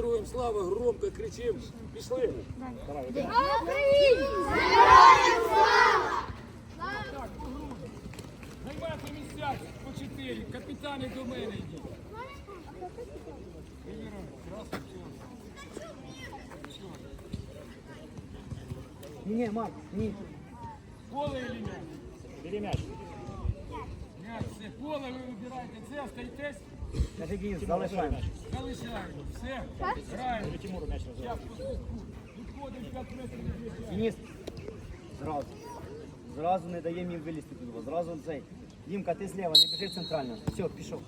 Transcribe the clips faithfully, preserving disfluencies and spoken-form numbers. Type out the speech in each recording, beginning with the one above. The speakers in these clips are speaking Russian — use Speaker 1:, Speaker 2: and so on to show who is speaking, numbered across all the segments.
Speaker 1: героям слава, громко кричим. Пішли.
Speaker 2: Слава Україні! Героям слава!
Speaker 1: Так, займайте місця по чотири. Капітани до мене йдіть.
Speaker 3: Не, Марк, не.
Speaker 1: Поле или мяч?
Speaker 3: Бери мяч.
Speaker 1: Мяч, все. Поле ви вибираєте. Це, остаєтесь?
Speaker 3: Кажи, Денис, залишаємо.
Speaker 1: Залишаємо. Все. Граємо.
Speaker 3: Тимуру мяч
Speaker 1: Зараз по свистку. Відходимо п'ять метрів від м'яча.
Speaker 3: Денис, зразу. Зразу не даємо їм вилізти туди. Зразу цей. Дімка, ти зліва, не біжи центрально. Все, пішов.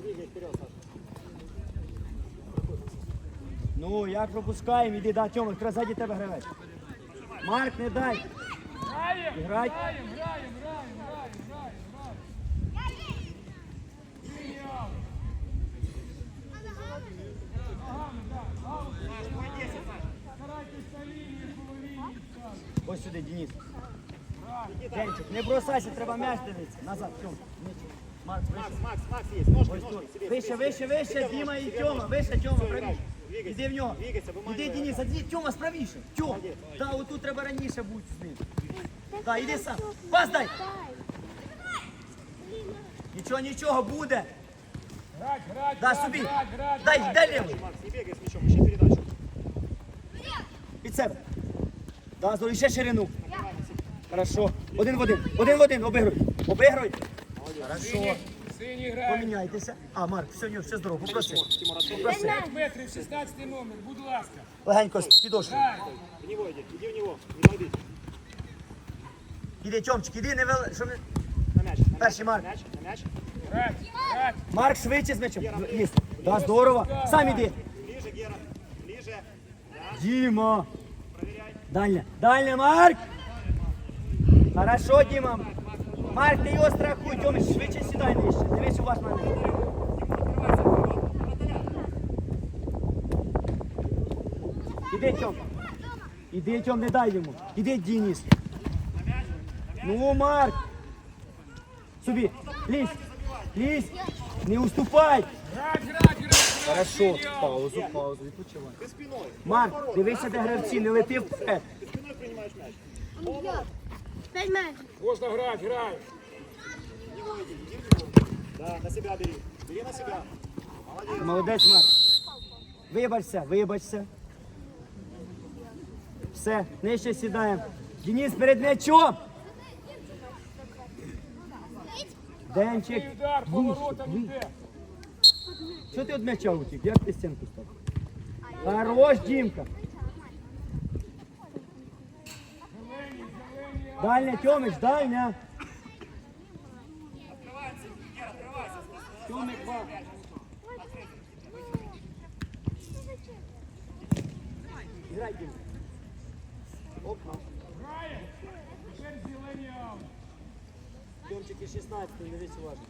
Speaker 3: Ну, як пропускаємо, іди, да, Тьома, якраз ззаді тебе гравець. Марк, не дай.
Speaker 1: Граємо,
Speaker 3: Грай.
Speaker 1: граємо, граємо, граємо, граємо, граємо, граємо. Геніал. Ногами, так, аут. Старайтесь на лінії, по лінії.
Speaker 3: Ось сюди, Денис. Денчик, не бросайся, треба м'яч дивитися. Назад, Тьома. Марк, вище.
Speaker 4: Макс, Макс есть, ножки,
Speaker 3: Ось
Speaker 4: ножки,
Speaker 3: тут.
Speaker 4: себе,
Speaker 3: Вище,
Speaker 4: себе.
Speaker 3: вище, вище,
Speaker 4: Себе
Speaker 3: Діма
Speaker 4: ножки,
Speaker 3: і
Speaker 4: себе
Speaker 3: Тьома.
Speaker 4: ножки.
Speaker 3: Вище, Тьома,
Speaker 4: Всё,
Speaker 3: правіше.
Speaker 4: двигайся,
Speaker 3: Іди в нього.
Speaker 4: двигайся, выманивай.
Speaker 3: Іди, Денис, іди, Тьома, справіше. Тьом.
Speaker 4: Молодець.
Speaker 3: Та, отут треба раніше бути з ним. Так, іди сам. Пас дай. Нічого, нічого, буде.
Speaker 1: Грать, грать,
Speaker 3: Да,
Speaker 1: грать,
Speaker 3: собі.
Speaker 1: грать, грать,
Speaker 3: Дай,
Speaker 1: грать.
Speaker 3: дай лівий.
Speaker 4: Макс, не бегай с мячом, ищи передачу.
Speaker 3: Під себе. Да, здорово, ще ширину. Хорошо. Один в один. Один в один. Обигруй. Обигруй. Хорошо.
Speaker 1: Сині, сині грають.
Speaker 3: Поміняйтеся. А, Марк, все, ні, все здорово. Попроси.
Speaker 4: Тимур, отцом.
Speaker 3: Попроси.
Speaker 1: п'ять метрів, шістнадцятий номер, будь ласка.
Speaker 3: Легенько з підошви.
Speaker 1: Грай.
Speaker 4: В него иди, иди в него, не подбить.
Speaker 3: Іди, Тьомчик, іди, не вел... Щоб... не-
Speaker 4: На мяч, на
Speaker 3: Перший
Speaker 4: мяч,
Speaker 3: Марк.
Speaker 4: на мяч, на мяч.
Speaker 1: Грать, грать.
Speaker 3: Марк, швидше з м'ячем. Є. Да, здорово. Сам іди.
Speaker 4: Ближе, Гера, ближе. Да,
Speaker 3: Діма.
Speaker 4: проверяй.
Speaker 3: Дальня. Дальня, Марк. Хорошо, Діма. Марк, ти його страхуй. Тьомич, швидше сідай нижче. Дивись уважно на мене. Іди, Тьом. Іди, Тьом, не дай йому. Іди, Денис. Ну, Марк. Собі. Лізь. Лізь. Не уступай.
Speaker 1: Грать, грать, грать.
Speaker 3: Хорошо.
Speaker 1: Геніал.
Speaker 3: Паузу, паузу. Відпочивай.
Speaker 4: Ты спиной.
Speaker 3: Марк, дивися, де гравці, не лети вперед.
Speaker 4: Ты спиной принимаешь мяч.
Speaker 2: П'ять метрів.
Speaker 1: Можна грати, грай.
Speaker 4: В него иди, иди в него. Да, на себя бери. Бери на себя. Молодец.
Speaker 3: Молодець, Марк. Вибачся, вибачся. Все, нижче сідаємо. Денис перед м'ячом. Денчик.
Speaker 1: І удар,
Speaker 3: Вище,
Speaker 1: поворотом
Speaker 3: вище.
Speaker 1: йде.
Speaker 3: Що ти від м'яча утік? Як ти стінку став? Хорош, Дімка.
Speaker 1: Зелені, зелені.
Speaker 3: Дальня, Тьомич, дальня. Тьомик, два. Грай, Дімка. Опа.
Speaker 1: Грає. Тепер зелені аут.
Speaker 3: Тьомчик і шістнадцятий, не весь уважно.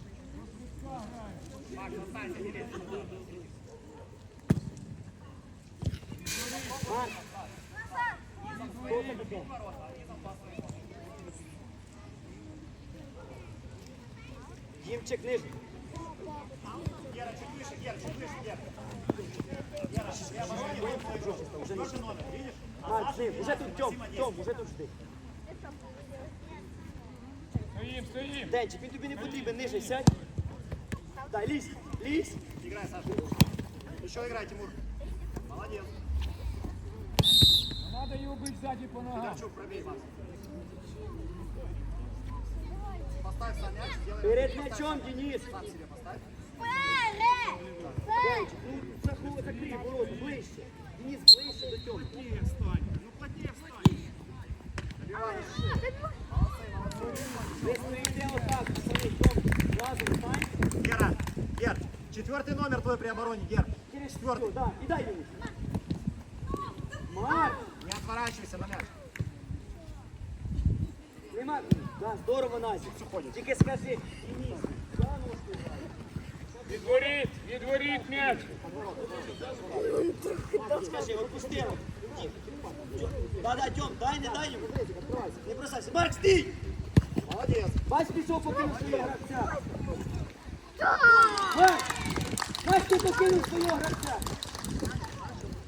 Speaker 3: Марк. Хто це таке? Дімчик нижній.
Speaker 4: Гера, чуть выше, Гера, чуть выше, Гера.
Speaker 3: Уже нижче.
Speaker 4: Номер, видишь?
Speaker 3: Марк, жив. Уже тут Тьом, Тьом, уже тут жди.
Speaker 1: Стоїм, стоїм.
Speaker 3: Денчик, він тобі не потрібен, нижче сядь. Дай, лізь, лізь.
Speaker 4: Играй, Саша. Еще играй, Тимур. Молодец.
Speaker 1: Надо його бити ззаді по ногам.
Speaker 4: Федорчук, пробей, Макс. Поставь сам мяч, сделай.
Speaker 3: Перед м'ячом, Денис.
Speaker 4: Сам себе поставь.
Speaker 3: Денчик, ну закрий, закрий ворота, ближче. Денис, ближче до Тьоми.
Speaker 4: Плотнее встань. Ну, плотнее встань. Добиваешь.
Speaker 3: Ви стоїте отак, самі Тьом, разом встань.
Speaker 4: Гера, Гер, четвертый номер твой при обороне, Гер.
Speaker 3: Через
Speaker 4: Четвертый.
Speaker 3: четвертый, да, і дай Денис. Марк,
Speaker 4: Не отворачивайся на мяч.
Speaker 3: нема, да, здорово, Назік. Тільки скажи, Денис, за ножку грай.
Speaker 1: Відворіть, відворіть м'яч.
Speaker 3: Скажи, отпусти його. Да, да, Тьом, дай, не дай йому. Не бросайся. Марк, стій!
Speaker 4: Молодец.
Speaker 3: Бач, пішов, покинув свого гравця. Марк! Бач, ти покинув свого гравця.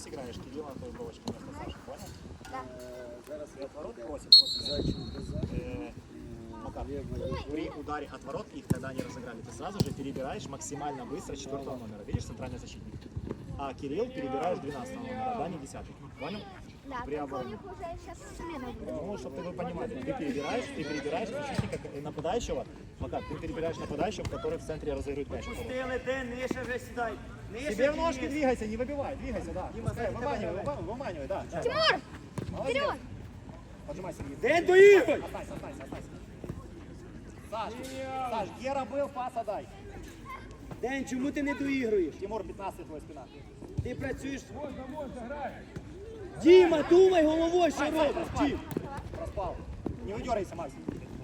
Speaker 4: здесь играешь, Кирилл на твою бровочку вместо Саши, понял? Зараз и отворот просит после э, Макар, при ударе от ворот их, когда они разыграли, ты сразу же перебираешь максимально быстро четвертого номера. Видишь, центральный защитник? А Кирилл перебираешь двенадцатого номера, да, не десятый. Понял?
Speaker 2: Да,
Speaker 4: При
Speaker 2: только у
Speaker 4: обороне.
Speaker 2: них уже сейчас смена будет.
Speaker 4: Ну, чтобы вы понимали, ты перебираешь, ты перебираешь защитника э, нападающего, Макар, ты перебираешь нападающего, который в центре разыгрывает мяч.
Speaker 3: Пустили, де, нижче вже сідай. Нижче
Speaker 4: Себе в ножки
Speaker 3: вниз.
Speaker 4: двигайся, не выбивай, двигайся, да.
Speaker 3: Дима,
Speaker 4: Пускай,
Speaker 3: сзади тебя
Speaker 4: выманивай,
Speaker 3: давай.
Speaker 4: выманивай, выманивай, да. да.
Speaker 2: Тимур!
Speaker 4: Молодец.
Speaker 2: Вперед!
Speaker 4: Поджимай, Сергей.
Speaker 3: Ден доіграй!
Speaker 4: Останься, останься, останься. Саш, Саш, Гера был, пас отдай.
Speaker 3: Ден, чому ти не доігруєш?
Speaker 4: Тимур, пятнадцать твоя спина.
Speaker 3: Ти працюєш.
Speaker 1: Можна, можна, грай.
Speaker 3: Діма, думай головою, що робиш.
Speaker 4: Проспал.
Speaker 3: Дім.
Speaker 4: Проспал. Не выдергайся, Макс.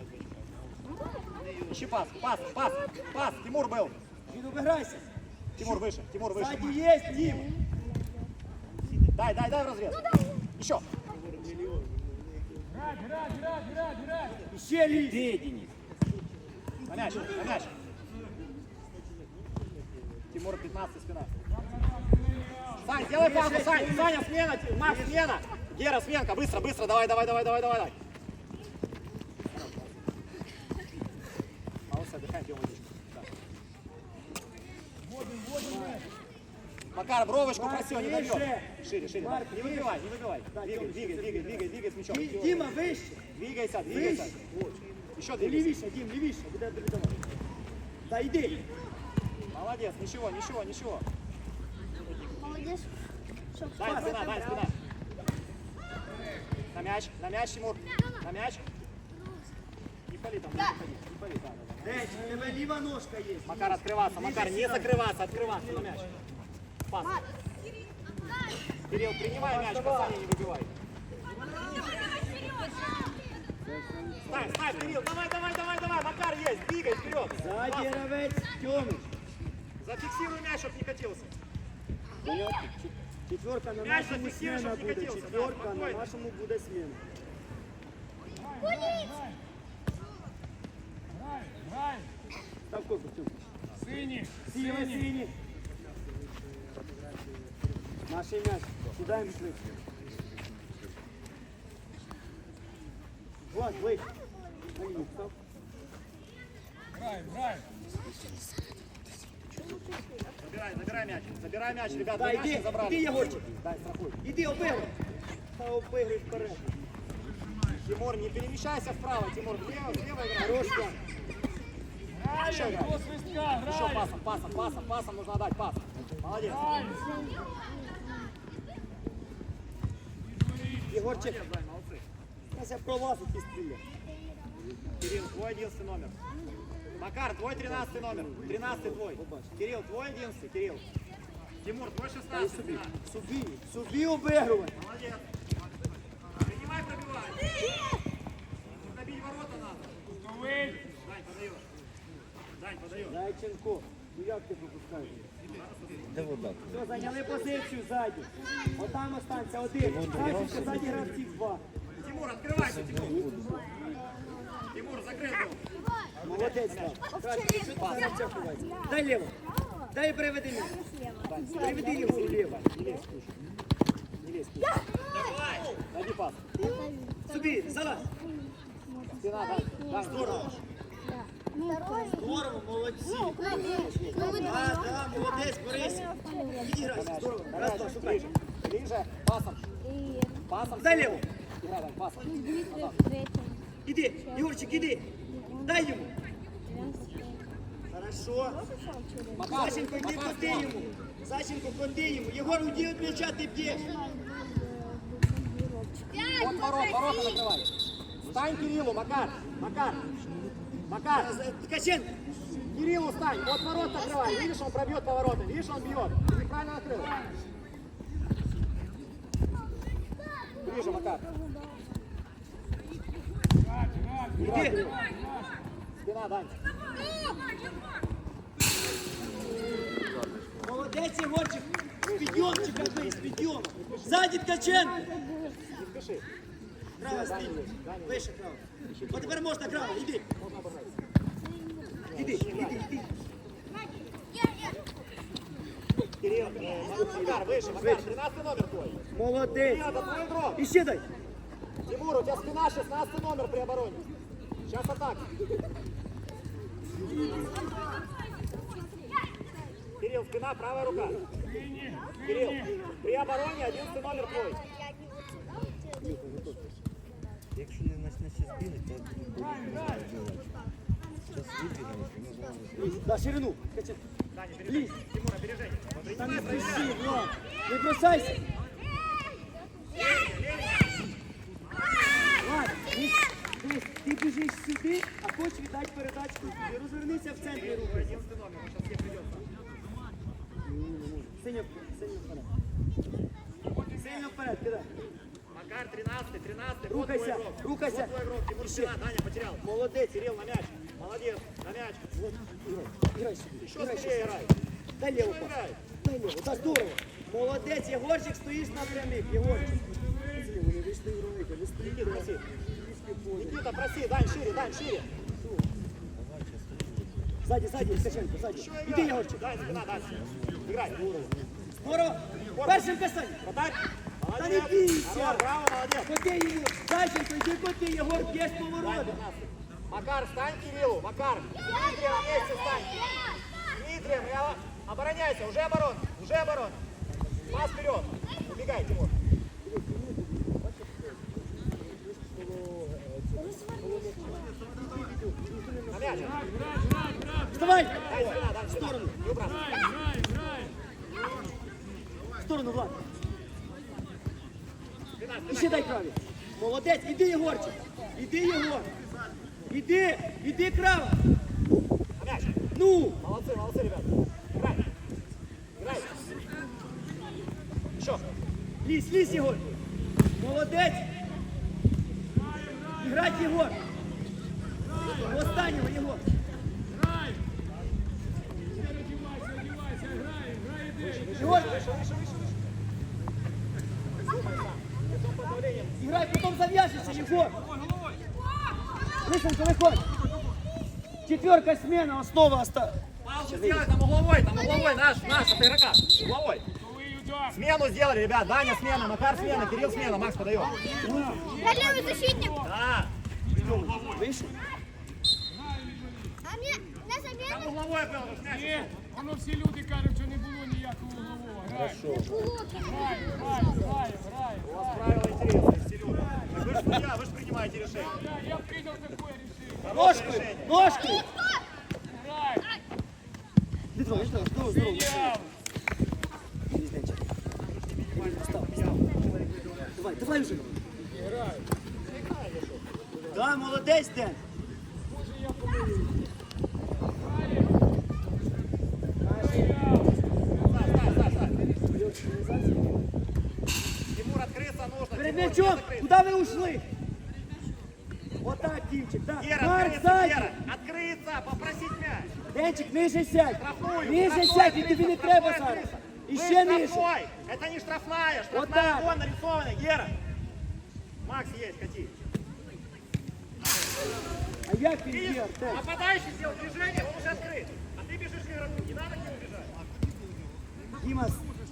Speaker 4: Ищи пас, пас, пас, пас. Тимур был.
Speaker 3: Він обіграйся.
Speaker 4: Тимур выше, Тимур выше.
Speaker 3: Ззаді є, Дім.
Speaker 4: Дай, дай, дай в разрез. Еще.
Speaker 1: Грай, грай, грай, грай, грай.
Speaker 3: І ще лізь.
Speaker 4: На мяч, на мяч. Тимур, пятнадцать спина. Сань, сделай паузу, Сань, Саня, смена, Макс, смена. Гера, сменка, быстро, быстро, давай, давай, давай, давай, давай, давай. Молодцы, отдыхаем, пьем водичку. Да. Макар, бровочку проси, он не
Speaker 3: Марк,
Speaker 4: добьет.
Speaker 3: выше.
Speaker 4: Шире, шире.
Speaker 3: Марк,
Speaker 4: Не выбивай, не выбивай. Двигай, двигай, двигай, двигай, двигай с мячом.
Speaker 3: Ді- Діма, вище.
Speaker 4: Двигайся, двигайся. Еще
Speaker 3: Ти
Speaker 4: двигайся.
Speaker 3: лівіше, Дім, лівіше. Буде тобі давати. Та йди.
Speaker 4: Молодец, ничего, ничего, ничего.
Speaker 2: Молодец. Чтоб
Speaker 4: Дай спина, дай спина. На мяч, на мяч, Тимур. На мяч. Не пали там, не пали, не пали, да, да, да.
Speaker 3: Ден, у тебе ліва ножка є.
Speaker 4: Макар, открываться, Макар, не закрываться, открываться на мяч. Пас. Кирилл, принимай мяч, касание не выбивай. Ставь, ставь, Кирилл, давай, давай, давай, давай, Макар есть, двигай вперед.
Speaker 3: Ззаді
Speaker 4: Пас.
Speaker 3: гравець, Тьомич.
Speaker 4: Зафиксируй мяч, чтобы не катился.
Speaker 3: Понятно? Четверка на
Speaker 4: Мяч
Speaker 3: нашому
Speaker 4: зафіксуй,
Speaker 3: смена
Speaker 4: щоб не
Speaker 3: буде.
Speaker 4: катився, да,
Speaker 3: Четверка на
Speaker 4: спокійно.
Speaker 3: нашому буде смена.
Speaker 1: Грай, грай.
Speaker 3: Став корпус, Тьомич.
Speaker 1: Сині,
Speaker 3: Сіли,
Speaker 1: сині.
Speaker 3: сині. Наш м'яч. Кидаємо швидко. Влад, ближче. На лінію став.
Speaker 1: Грай, грай.
Speaker 4: Забирай, забирай мяч, забирай мяч, ребята,
Speaker 3: Да,
Speaker 4: мяч не
Speaker 3: іди,
Speaker 4: забрали.
Speaker 3: іди, Єгорчик.
Speaker 4: Дай, страхуй.
Speaker 3: Іди, обигруй. Та обигруй вперед.
Speaker 4: Тимур, не перемещайся вправо, Тимур, влево, влево играй.
Speaker 3: Хорош, Влад.
Speaker 4: Еще
Speaker 1: Грай,
Speaker 4: играй.
Speaker 1: до свистка,
Speaker 4: Еще
Speaker 1: грай.
Speaker 4: пасом, пасом, пасом, пасом нужно отдать, пас. Молодец.
Speaker 1: Грай.
Speaker 3: Єгорчик,
Speaker 4: Молодцы.
Speaker 3: зараз я пролазу ті стріля.
Speaker 4: Кирилл, твой одиннадцатый номер. Макар, твой тринадцатый номер. тринадцатый твой. Кирилл, твой одиннадцатый, Кирилл. Тимур, твой шестнадцатый.
Speaker 3: Собі, собі, собі обигрувай.
Speaker 4: Молодец. Принимай, пробивай. Набить ворота надо.
Speaker 1: Готовий.
Speaker 4: Дань, подает. Дань, подает.
Speaker 3: Зайченко, ну як ти пропускаєш? Все, зайняли позицію ззаді. Отам останься один. Зайченко, ззаді гравців два.
Speaker 4: Тимур, открывайся, Тимур. Тимур, закрыт был.
Speaker 3: Молодець, Слав. Зараз це ховається. Дай ліво. Дай приведи м'яч. Приведи його вліво.
Speaker 4: Не лезь, слушай. Не лезь, слушай. Дай пас.
Speaker 3: Собі, залазь.
Speaker 4: Спина, дай. Дай, здорово.
Speaker 3: Здорово, молодці. Да, да, молодець, Борис. Відіграйся, здорово. Раз, два, шукай.
Speaker 4: Ближе. Ближе. Пасом. Пасом.
Speaker 3: Дай ліво.
Speaker 4: Играй, дай, пасом.
Speaker 3: Іди, Ігорчик, іди. Дай йому. Хорошо.
Speaker 4: Макар,
Speaker 3: Сашенько, йди
Speaker 4: Макар,
Speaker 3: коти йому. Сашенько, коти йому. Єгор, уйди від м'яча, ти б'єш.
Speaker 4: Вот ворот, ворота закрывай. Стань Кириллу, Макар. Макар. Макар.
Speaker 3: Ткаченко.
Speaker 4: Кириллу стань. Вот ворот закрывай. Видишь, он пробьет повороты. Видишь, он бьет. Ты неправильно накрыл. Ближе, Макар. Играй,
Speaker 3: Іди.
Speaker 4: Кирилл. Спина, Дань.
Speaker 3: Молодець, Єгорчик. З підйомчика бий, з підйому. Ззаді Ткаченко.
Speaker 4: Не спеши.
Speaker 3: Крава, стій. Вище, крава. От тепер можна, крава, іди. Іди, іди, іди.
Speaker 4: Кирилл, э, Макар, выше, Макар, тринадцатый номер твой.
Speaker 3: Молодець.
Speaker 4: Это твой игрок.
Speaker 3: І ще дай.
Speaker 4: Тимур, у тебя спина шестнадцатый номер при обороне. Сейчас атака. Кирилл, спина, правая рука. Кирилл, при обороне одиннадцатый номер твой.
Speaker 5: Якщо не почне ще збігати, то буде робити. Зараз вибігаєш, і ми зможемо.
Speaker 3: На ширину. Качай.
Speaker 4: Даня, опережение. Тимур, опережение.
Speaker 3: Та не спіши, Влад. Не бросайся. Влад, ні, дивись, ти біжиш сюди, а хочеш віддати передачку. Ти розвернися в центрі руки.
Speaker 4: одиннадцатый номер, он сейчас тебе придет.
Speaker 3: Синьо, синьо вперед. Синьо вперед, кидай.
Speaker 4: Макар, тринадцатый, тринадцатый. Вот
Speaker 3: Рухайся,
Speaker 4: твой игрок.
Speaker 3: рухайся.
Speaker 4: Вот твой игрок. Тимур, спина, Даня потерял.
Speaker 3: Молодець.
Speaker 4: Кирилл, на мяч. Молодец, на мяч.
Speaker 3: Вот, играй, играй сюди.
Speaker 4: Еще
Speaker 3: Играй
Speaker 4: скорее
Speaker 3: сюди.
Speaker 4: играй.
Speaker 3: Дай леву
Speaker 4: Еще
Speaker 3: пас.
Speaker 4: играй.
Speaker 3: Дай леву, так здорово. Молодець, Єгорчик, стоїш на прямих, Єгорчик. Вони вийшли ігровики, ви стоїте
Speaker 4: Никита, проси. Никита, проси, Дань, шире, Дань, шире.
Speaker 3: Ззаді, ззаді, Ткаченко, ззаді.
Speaker 4: Еще
Speaker 3: Іди,
Speaker 4: играй.
Speaker 3: Єгорчик.
Speaker 4: Дань, спина, Дань. Играй.
Speaker 3: Здорово. Першим касань.
Speaker 4: Вратарь.
Speaker 3: Та
Speaker 4: Молодец.
Speaker 3: не бійся.
Speaker 4: Хорош, браво, молодец.
Speaker 3: Коти її. Зайченко, йди коти, Єгор, б'єш
Speaker 4: Дань,
Speaker 3: повороти.
Speaker 4: тринадцатый. Макар, стань Кириллу, Макар. Дмитрий, на месте стань. Дмитрий, я... обороняйся, уже оборон, уже оборон. Пас вперед. Убегай, Тимур. На мяч.
Speaker 3: Вставай.
Speaker 4: Дай спина, дай спина. Не убрал.
Speaker 1: Грай, грай.
Speaker 3: В сторону, Влад.
Speaker 4: Спина,
Speaker 3: І
Speaker 4: спина.
Speaker 3: ще дай краві. Молодець, іди, Єгорчик. Іди, Єгор. Іди, іди, крава.
Speaker 4: На мяч.
Speaker 3: Ну.
Speaker 4: Молодцы, молодцы, ребята. Играй. Играй. Еще.
Speaker 3: Лізь, лізь, Єгор. Молодець. Іграть, Єгор. Останнього, Єгор.
Speaker 1: Грай. Не одівайся, одівайся, грай, грай, іди.
Speaker 3: Єгор,
Speaker 4: Выше, выше, выше, выше. Думай сам. Лицом под давлением.
Speaker 3: іграй, потім зав'яжешся, Єгор. Лисенко, виходь. Четверка смена, основа оста.
Speaker 4: Паузу сделай, там угловой, там угловой, наш, наш, от игрока. Угловой.
Speaker 1: Коли удар.
Speaker 4: Смену сделали, ребят. Даня смена, Макар смена, Кирилл смена, Макс подает.
Speaker 2: Я левый защитник.
Speaker 4: Да.
Speaker 3: Вийшов?
Speaker 2: А мне на
Speaker 4: Там
Speaker 2: замену
Speaker 4: угловой был, вот мяч.
Speaker 1: Ні, воно всі люди кажуть, що не було ніякого углового. Грай. Грай, грай, грай, грай.
Speaker 4: У вас правила интересные, Серега. Так вы же судья, вы же принимаете решение.
Speaker 1: Я, я принял такое решение.
Speaker 4: Хорошее
Speaker 3: Ножкою,
Speaker 4: решение.
Speaker 3: ножкою.
Speaker 1: Грай.
Speaker 3: Не трогай, не трогай, здорово, здорово.
Speaker 1: Прийняв.
Speaker 3: Різничок. Став, став. Давай, давай вже. Да, молодець, Ден.
Speaker 1: Може я помилюсь.
Speaker 4: Стай, стай, стай, стай. Тимур, открыться нужно.
Speaker 3: Перед
Speaker 4: Тимур,
Speaker 3: м'ячом,
Speaker 4: не закрыт.
Speaker 3: куди ви ушли? Отак, Дімчик, так.
Speaker 4: Гера,
Speaker 3: Марк,
Speaker 4: открыться,
Speaker 3: ззаді.
Speaker 4: Гера. Открыться, попросить мяч.
Speaker 3: Денчик, ниже сядь.
Speaker 4: Штрафную.
Speaker 3: Ниже
Speaker 4: штрафной
Speaker 3: сядь, і
Speaker 4: открыться,
Speaker 3: тобі не
Speaker 4: штрафной
Speaker 3: треба
Speaker 4: открыться.
Speaker 3: зараз. І
Speaker 4: Вы
Speaker 3: ще ниже.
Speaker 4: штрафной. Это не штрафная, штрафная
Speaker 3: Вот так.
Speaker 4: вон нарисованная, Гера. Макс есть, кати.
Speaker 3: А як він
Speaker 4: Видишь,
Speaker 3: є, Артем?
Speaker 4: нападающий сделал движение, он уже открыт. А ты бежишь к игроку, не надо к нему бежать.
Speaker 3: Діма,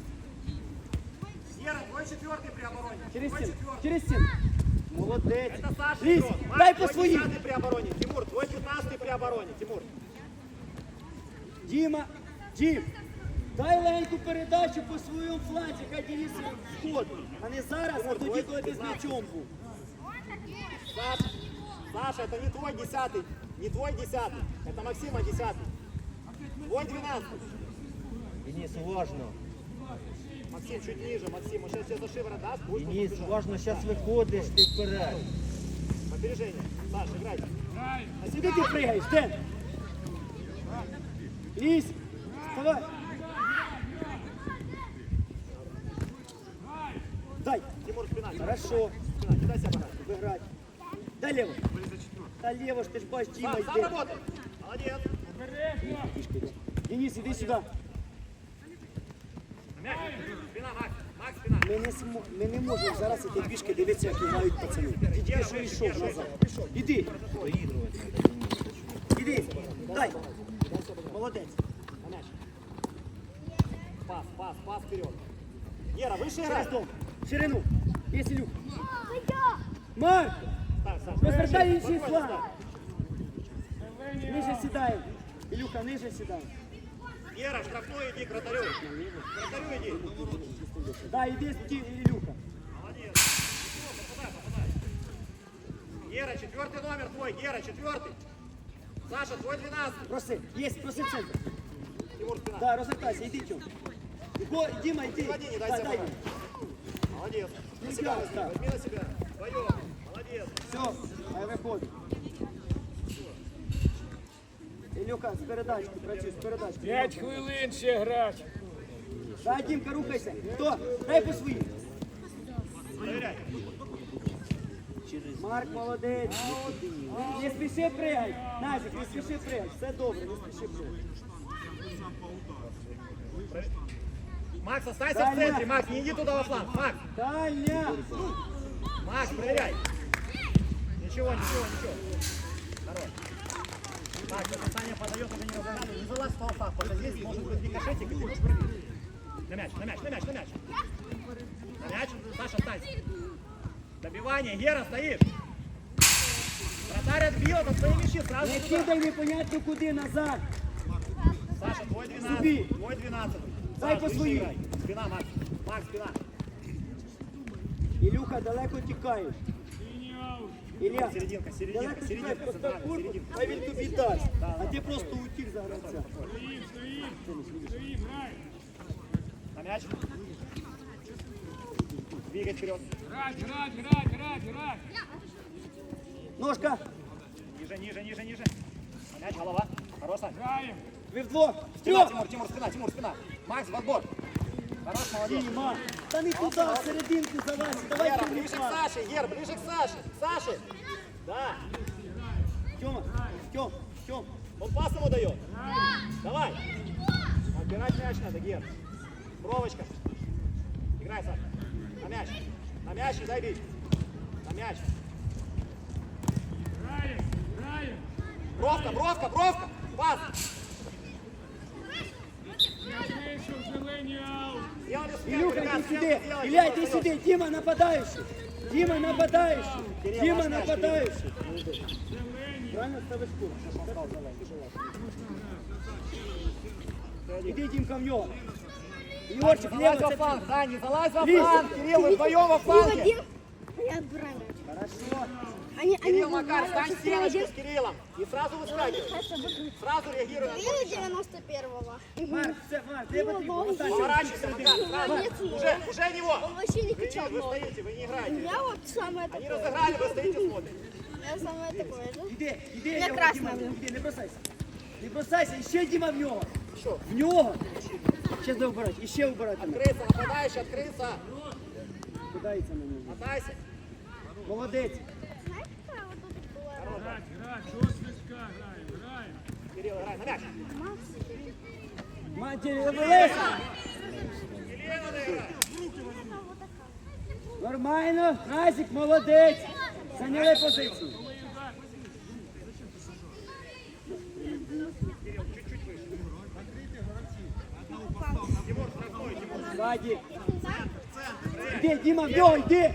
Speaker 4: Гера, твой четвертый при обороне.
Speaker 3: через
Speaker 4: Твой
Speaker 3: стін,
Speaker 4: четвертый.
Speaker 3: через стін. Молодець.
Speaker 4: Это Саша
Speaker 3: Лізь,
Speaker 4: игрок. Макс,
Speaker 3: дай по
Speaker 4: твой
Speaker 3: своїм.
Speaker 4: десятый при обороне. Тимур, твой пятнадцатый при обороне. Тимур.
Speaker 3: Діма, Дім, дай легеньку передачу по своєму фланзі, хай Денис вход. А не зараз, а тоді, коли ти з м'ячом був.
Speaker 4: Саша, Саша, это не твой десятый. Не твой десятый. Это Максима десятый. Твой двенадцатый.
Speaker 5: Денис, уважно.
Speaker 4: Максим, чуть ниже. Максим, он сейчас тебе за шиворот даст. Будешь
Speaker 5: Денис,
Speaker 4: побежать.
Speaker 5: уважно, зараз виходиш ти вперед.
Speaker 4: Опережение. Саша, играйте.
Speaker 1: Грай.
Speaker 3: А сюди ти пригаєш, Ден. Лізь, вставай. Дай.
Speaker 4: Тимур, спина.
Speaker 3: Хорошо.
Speaker 4: Спина, не дай себя подать.
Speaker 3: Виграть. Дай лево. Та лево ж ти ж бачиш, Діма
Speaker 4: Сам, сам
Speaker 3: йде.
Speaker 4: работай. Молодец.
Speaker 1: Обережно.
Speaker 3: Денис, іди сюди.
Speaker 4: На мяч. Спина, Макс. Макс, спина.
Speaker 3: Ми не, смо... Ми не можемо зараз іти пішки дивитися, як грають пацани. Ти тільки що йшов назад. Іди,
Speaker 5: Доігрувати треба, Денис.
Speaker 3: іди. Дай. Молодець.
Speaker 4: На мяч. пас, пас, пас вперед. Гера, выше играй.
Speaker 3: Через дом. В ширину. Є Ілюха. Марк!
Speaker 4: Ставь, Саша.
Speaker 3: Розвертай інший
Speaker 4: Спокойно
Speaker 3: фланг.
Speaker 1: Зелені
Speaker 3: Ниже
Speaker 1: аут.
Speaker 3: сідаємо. Ілюха, ниже сідаємо.
Speaker 4: ставь. Гера, штрафной иди к вратарю. К вратарю иди.
Speaker 3: Да, іди, ті- Ілюха.
Speaker 4: Молодец. Попадай, попадай. Гера, четвертый номер твой. Гера, четвертый. Саша, твой двенадцатый.
Speaker 3: Проси. Є, проси в центр.
Speaker 4: Тимур, спина.
Speaker 3: Да, розвертайся, іди, Тьом. Іго, Діма, йди.
Speaker 4: Влади, не дай
Speaker 3: Да,
Speaker 4: себя
Speaker 3: дай.
Speaker 4: брать. Молодец. На
Speaker 3: Не
Speaker 4: себя
Speaker 3: играй,
Speaker 4: возьми,
Speaker 3: да.
Speaker 4: возьми на себя. Вдвоем. Молодец.
Speaker 3: Все, хай виходить. Ілюха, з передачки, працюй, з передачки.
Speaker 1: П'ять хвилин ще грати.
Speaker 3: Дай, Дімка, рухайся. Хто? Дай по своїм.
Speaker 4: Проверяй.
Speaker 3: Марк, молодець. Не спіши пригай. Назік, не спіши пригай. Все добре, не спіши пригай.
Speaker 4: Макс, останься
Speaker 3: Дай,
Speaker 4: в центре.
Speaker 3: Макс.
Speaker 4: Макс, не иди туда во фланг. Макс,
Speaker 3: Таня!
Speaker 4: Макс, проверяй. Ничего, ничего, ничего. Хорош. Так, если Саня подает, уже не разыграли. Не залазь в толпах, потому что здесь может быть рикошетик, и ты можешь пробить. На мяч, на мяч, на мяч, на мяч. На мяч, Саша, останься. Добивание, Гера, стоишь. Вратарь отбил, это твои мячи, сразу
Speaker 3: Не
Speaker 4: туда.
Speaker 3: кидай непонятно куди назад.
Speaker 4: Саша, твой
Speaker 3: Суби.
Speaker 4: двенадцатый, твой двенадцатый.
Speaker 3: Дай
Speaker 4: Саш,
Speaker 3: по
Speaker 4: выше
Speaker 3: своим.
Speaker 4: играй. Спина, Макс. Макс, спина.
Speaker 3: Ілюха, далеко тікаєш.
Speaker 1: Синій аут.
Speaker 3: Ілля,
Speaker 4: Серединка, серединка,
Speaker 3: далеко тікаєш,
Speaker 4: серединка,
Speaker 3: постав
Speaker 4: центральная,
Speaker 3: куртку,
Speaker 4: серединка.
Speaker 3: хай він тобі дасть. А ти просто утік за гравця.
Speaker 1: Стоїм, стоїм. Стоїм, грай.
Speaker 4: На мяч. Двигай вперед.
Speaker 1: Грать, грать, грать, грать, грать.
Speaker 3: Ножка,
Speaker 4: Ниже, ниже, ниже, ниже. На мяч, голова. Хорош, Сань.
Speaker 1: Граємо.
Speaker 3: ви вдвох.
Speaker 4: Спина,
Speaker 3: Втрьох.
Speaker 4: Тимур, Тимур, спина, Тимур, спина. Макс, в отбор. Хорош, молодец.
Speaker 3: Діма, та не туди, в серединку залазь. Давай
Speaker 4: Гера,
Speaker 3: ти
Speaker 4: ближе к
Speaker 3: пас.
Speaker 4: Саше, Гер, ближе к Саше. Саше. Да.
Speaker 3: Тьома, Тьом, Тьом.
Speaker 4: Он пас ему дает. Давай. Отбирать мяч надо, Гер. Бровочка. Играй, Саша. На мяч. На мяч и дай бить. На мяч.
Speaker 1: Граємо, граємо.
Speaker 4: Бровка, бровка, бровка. Пас.
Speaker 1: Я вийшов, зелені аут.
Speaker 4: Сделали смену,
Speaker 3: Ілюха,
Speaker 4: ребят,
Speaker 3: йди
Speaker 4: смену
Speaker 3: сюди.
Speaker 4: сделали.
Speaker 3: Ілля,
Speaker 4: Тимур,
Speaker 3: йди
Speaker 4: вперед.
Speaker 3: сюди. Діма нападаючий. Діма нападаючий.
Speaker 4: Кирилл,
Speaker 3: Діма
Speaker 4: ваш мяч,
Speaker 3: нападаючий.
Speaker 1: Зелені.
Speaker 3: Правильно ставиш курс? Іди, Дімка, в нього.
Speaker 4: Не
Speaker 3: Ігорчик,
Speaker 4: залазь
Speaker 3: лево,
Speaker 4: во
Speaker 3: це
Speaker 4: фланг, да, не залазь во
Speaker 3: Лиза.
Speaker 4: фланг, Кирилл, вы вдвоем во фланге.
Speaker 2: Один. Я отбираю.
Speaker 3: Хорошо.
Speaker 2: Они, они
Speaker 4: Кирилл, Макар,
Speaker 2: знают,
Speaker 4: стань
Speaker 2: что
Speaker 4: стеночку
Speaker 2: один.
Speaker 4: с Кириллом и сразу выскакивай. Сразу реагируй на
Speaker 2: Или
Speaker 4: твой мяч.
Speaker 2: девяносто первого.
Speaker 3: Марк, все, Марк, де потрібно? Останній.
Speaker 4: Поворачивайся, Макар, сразу.
Speaker 2: Молодец,
Speaker 4: Уже, уже него.
Speaker 2: Он вообще не
Speaker 4: Вы,
Speaker 2: качал
Speaker 4: вы
Speaker 2: ноги.
Speaker 4: стоите, вы не играете.
Speaker 2: Я вот самое
Speaker 4: Они
Speaker 2: такое.
Speaker 4: разыграли, вы стоите, смотрите.
Speaker 2: Я самое такое же.
Speaker 3: Іди, іди,
Speaker 2: Я
Speaker 3: його,
Speaker 2: красна
Speaker 3: Діма,
Speaker 2: буду.
Speaker 3: іди, не бросайся. Не бросайся, і ще Діма в нього.
Speaker 4: Що?
Speaker 3: В нього. Ще де вбирати, і ще вбирати.
Speaker 4: Открыться, нападающий, открыться.
Speaker 3: Кидається на нього.
Speaker 4: Мотайся.
Speaker 3: Молодець.
Speaker 2: Знаете, какая вот тут была?
Speaker 1: Грать, грать, жорсточка граємо, граємо.
Speaker 4: Кирилл, играй на мяч.
Speaker 3: Матері, Леся.
Speaker 4: Кирилл надо играть.
Speaker 3: Нормально. Назік, молодець. Зайняли позицію.
Speaker 4: Тимур, штрафной, Тимур.
Speaker 3: Ззаді. Іди, Діма, в нього, йди.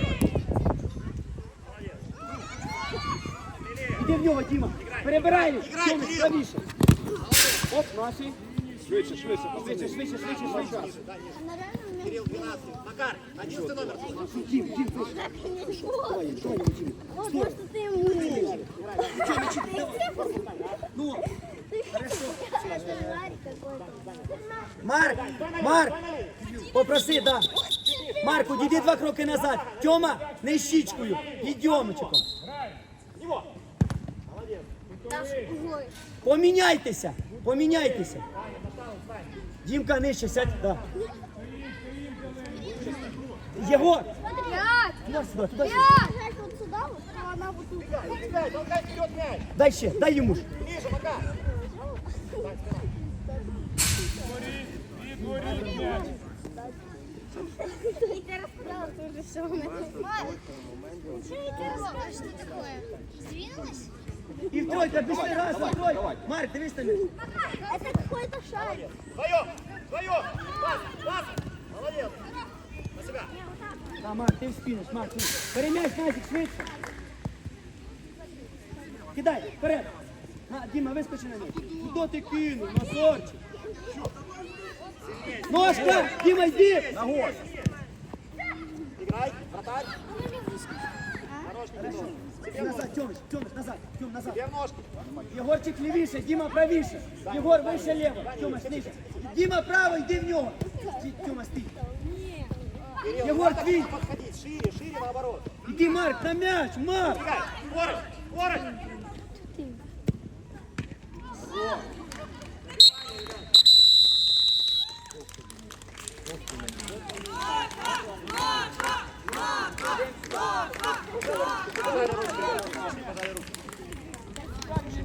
Speaker 3: Іди в нього, Діма. Перебирай.
Speaker 4: Іграй,
Speaker 3: Тьома,
Speaker 4: Кирил.
Speaker 3: правіше. Оп, наші. Швидше, швидше, швидше, швидше, швидше, швидше.
Speaker 2: Она реально меня
Speaker 4: Кирилл, двенадцатый. Макар, одиннадцатый номер.
Speaker 3: Дім, Дім, швидше.
Speaker 2: так не сбила.
Speaker 3: Давай, давай, Дім.
Speaker 2: Вот, может, ты ему не.
Speaker 3: Ну, хорошо.
Speaker 2: Это Ларик какой-то.
Speaker 3: Марк, Марк, попроси, да. Марк, удійди два кроки назад. Тьома, не щічкою, ідьомчиком.
Speaker 4: Него. Молодец.
Speaker 2: Ой.
Speaker 3: Поміняйтеся, поміняйтеся. Дімка, нижче сядь, да. Єгор,
Speaker 2: Смотри.
Speaker 3: туди, сюди, туди, сюди.
Speaker 2: Я вот сюда, вот, а она вот тут.
Speaker 4: Толкай, толкай вперед мяч.
Speaker 3: Дай ще, дай йому ж.
Speaker 4: Ближе, Макар.
Speaker 1: Відворіть м'яч.
Speaker 2: Я рассказала тоже все. Что это такое? Сдвинулась?
Speaker 3: І в тройка, пішли, раз, два, тройка. Марк, дивись на м'яч.
Speaker 2: Это какой-то шарик.
Speaker 4: Вдвоем, вдвоем. Пас, пас. Молодец. На себя.
Speaker 3: Да, Марк, ти вспіниш, Марк, ну. Бери м'яч, Назик, швидше. Кидай, вперед. На, Діма, вискочи на м'яч. Куди ти кинув, Назарчик? Ножка, Діма, йди.
Speaker 4: Ногой. Играй, вратарь. Хороший Петров. Себе в ножки.
Speaker 3: Назад, Тьомич, Тьомич, назад, Тьом, назад.
Speaker 4: Себе в ножки.
Speaker 3: Єгорчик лівіше, Діма правіше. Єгор вище ліво, Тьома ниже. Діма право, йди в нього. Ті- Тьома, стій.
Speaker 4: Кирилл,
Speaker 3: Егор,
Speaker 4: надо
Speaker 3: твій.
Speaker 4: подходить шире, шире наоборот.
Speaker 3: Іди, Марк, на м'яч, Марк.
Speaker 4: Играй. Скорость, скорость.